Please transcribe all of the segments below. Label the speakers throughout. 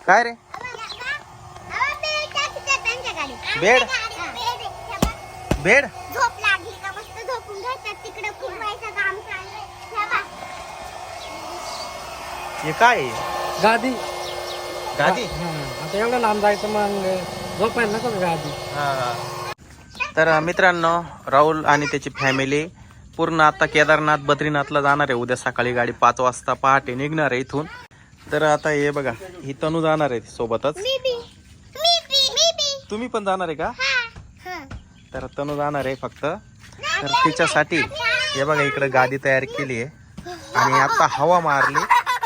Speaker 1: काय रे bed bed
Speaker 2: झोप लागली का मस्त झोपून घ्यायचं तिकडे फिरवायचं काम चाललंय.
Speaker 1: हे काय आहे?
Speaker 3: गादी
Speaker 1: गादी
Speaker 3: आता एवढं लांब जायचं मग झोपायला नको का गादी.
Speaker 1: तर मित्रांनो राहुल आणि त्याची फॅमिली पूर्ण आता केदारनाथ बद्रीनाथला जाणार आहे. उद्या सकाळी गाडी 5 वाजता पहाटे निघणार आहे इथून. तर आता हे बघा ही तनू जाणार आहे सोबतच. तुम्ही पण जाणार आहे का? तर तनू जाणार आहे फक्त. तर तिच्यासाठी हे बघा इकडे गादी तयार केली आहे आणि आता हवा मारली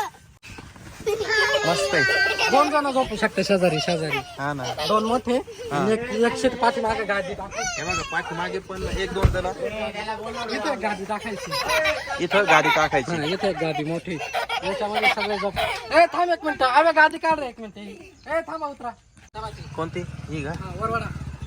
Speaker 1: मस्त आहे.
Speaker 3: 2 जण झोपू शकते शेजारी शेजारी.
Speaker 1: हा ना
Speaker 3: 2 मोठे आणि एक सीट पाठीमागे गादी टाकायची.
Speaker 1: हे बघा पाठीमागे पण 1-2 जण
Speaker 3: इथे एक गादी टाकायची.
Speaker 1: इथं गादी टाकायची.
Speaker 3: इथे एक गादी मोठी याच्यामध्ये सगळे झोप. ए थांब 1 मिनिट. अरे गादी काढ रे 1 मिनिट. ए थांबा उतरा.
Speaker 1: कोणती ही का?
Speaker 3: वरवडा.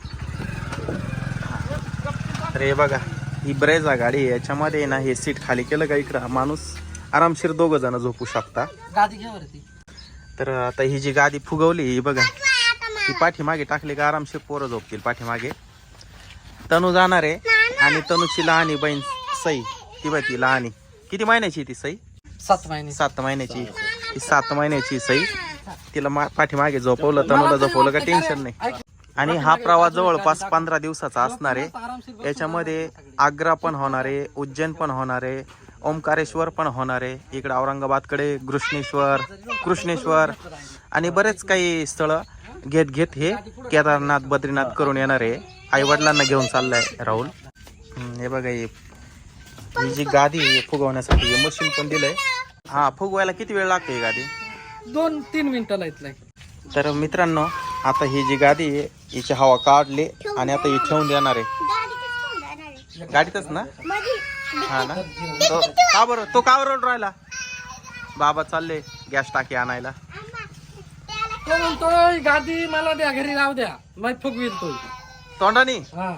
Speaker 1: तर हे बघा ही ब्रेझा गाडी आहे. याच्यामध्ये ना हे सीट खाली केलं का इकडं माणूस आरामशीर 2 जण झोपू शकता.
Speaker 3: गादी घे वरती.
Speaker 1: तर आता ही जी गादी फुगवली ही बघा ही पाठीमागे टाकली का आरामशीर पोरं झोपतील पाठीमागे. तनू जाणार आहे आणि तनूची लहानी बहीण सई ती बघ ती लहानी किती महिन्याची ती सई?
Speaker 3: 7 महिने.
Speaker 1: 7 महिन्याची. ती 7 महिन्याची सई तिला पाठीमागे झोपवलं तनूला झोपवलं का टेन्शन नाही. आणि हा प्रवास जवळपास 15 दिवसाचा असणार आहे. याच्यामध्ये आग्रा पण होणार आहे, उज्जैन पण होणार आहे, ओंकारेश्वर पण होणार आहे. इकडे औरंगाबादकडे कृष्णेश्वर आणि बरेच काही स्थळं घेत हे केदारनाथ बद्रीनाथ करून येणार आहे. आई वडिलांना घेऊन चाललाय राहुल. हे बघा ही जी गादी आहे फुगवण्यासाठी हे मशीन पण दिलंय. हा फुगवायला किती वेळ लागतो ही गादी?
Speaker 3: 2-3 मिनिटाला इथलं.
Speaker 1: तर मित्रांनो आता ही जी गादी आहे हिची हवा काढली आणि आता ही ठेवून देणार आहे गाडीतच ना. हा ना तो का बरं राहिला? बाबा चालले गॅस टाकी आणायला.
Speaker 3: तो म्हणतोय गादी मला द्या घरी राहू द्या मग फुगवील तो
Speaker 1: तोंडानी.
Speaker 3: हा.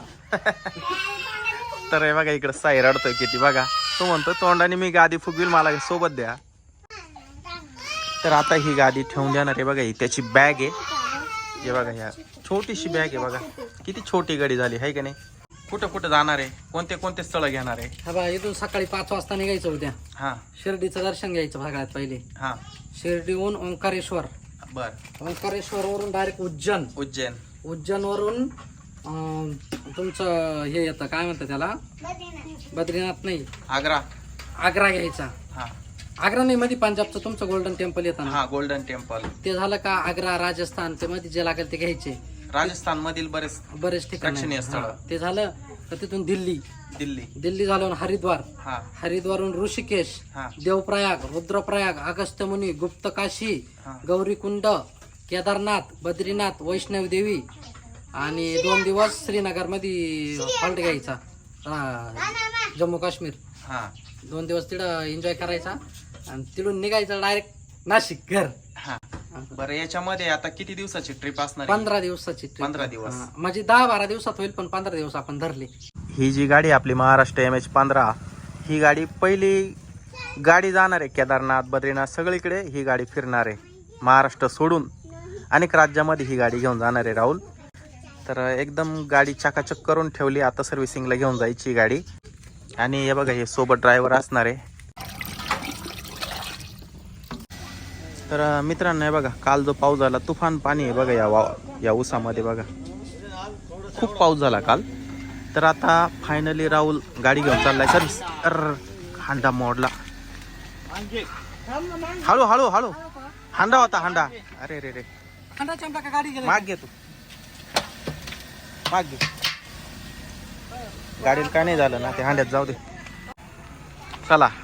Speaker 1: तर हे बघा इकडे साई रडतोय किती बघा. तो म्हणतो तोंडाने मी गादी फुगवील मला सोबत द्या. तर आता ही गादी ठेवून देणार आहे बघा. ही त्याची बॅग आहे. हे बघा ह्या छोटीशी बॅग आहे बघा. किती छोटी गाडी झाली आहे का नाही. कुठं कुठं जाणार आहे, कोणते स्थळ घेणार आहे?
Speaker 3: हा बा इथून सकाळी 5 वाजता निघायचं उद्या.
Speaker 1: हा
Speaker 3: शिर्डीचं दर्शन घ्यायचं सगळ्यात पहिले.
Speaker 1: हा
Speaker 3: शिर्डीहून ओंकारेश्वर.
Speaker 1: बर.
Speaker 3: ओंकारेश्वर वरून डायरेक्ट उज्जैन वरून तुमचं हे येतं काय म्हणतात त्याला बद्रीनाथ नाही आग्रा घ्यायचा.
Speaker 1: हा
Speaker 3: आग्रा नाही मध्ये पंजाबचं तुमचं गोल्डन टेम्पल येतं ना.
Speaker 1: हा गोल्डन टेम्पल.
Speaker 3: ते झालं का आग्रा राजस्थान ते मध्ये जे लागेल ते घ्यायचे.
Speaker 1: राजस्थान मधील बरेच
Speaker 3: ठिकाणी
Speaker 1: स्थळ.
Speaker 3: ते झालं तर तिथून दिल्ली झाल्यावर हरिद्वारहून ऋषिकेश, देवप्रयाग, रुद्रप्रयाग, अगस्त्यमुनी, गुप्तकाशी, गौरीकुंड, केदारनाथ, बद्रीनाथ, वैष्णव देवी आणि 2 दिवस श्रीनगर मध्ये हॉल्ट घ्यायचा. जम्मू काश्मीर 2 दिवस तिथं एन्जॉय करायचा आणि तिथून निघायचं डायरेक्ट नाशिक घर.
Speaker 1: बरं याच्यामध्ये आता किती दिवसाची ट्रिप असणार?
Speaker 3: 15 दिवसाची.
Speaker 1: 15 दिवस
Speaker 3: म्हणजे 10-12 दिवसात होईल पण 15 दिवस आपण धरले.
Speaker 1: ही जी गाडी आपली महाराष्ट्र MH15 ही गाडी पहिली गाडी जाणार आहे केदारनाथ बद्रीनाथ सगळीकडे. ही गाडी फिरणार आहे महाराष्ट्र सोडून अनेक राज्यामध्ये ही गाडी घेऊन जाणार आहे राहुल. तर एकदम गाडी चकाचक करून ठेवली. आता सर्व्हिसिंगला घेऊन जायची गाडी. आणि हे बघा हे सोबत ड्रायव्हर असणार आहे. तर मित्रांनो हे बघा काल जो पाऊस झाला तुफान पाणी आहे बघा या ऊसामध्ये बघा खूप पाऊस झाला काल. तर आता फायनली राहुल गाडी घेऊन चाललाय सर्व्हिस. तर हांडा मोडला. हळू हांडा होता हांडा. अरे रे माग घे तू माग घे. गाडीला काय नाही झालं ना ते हांड्यात जाऊ दे. चला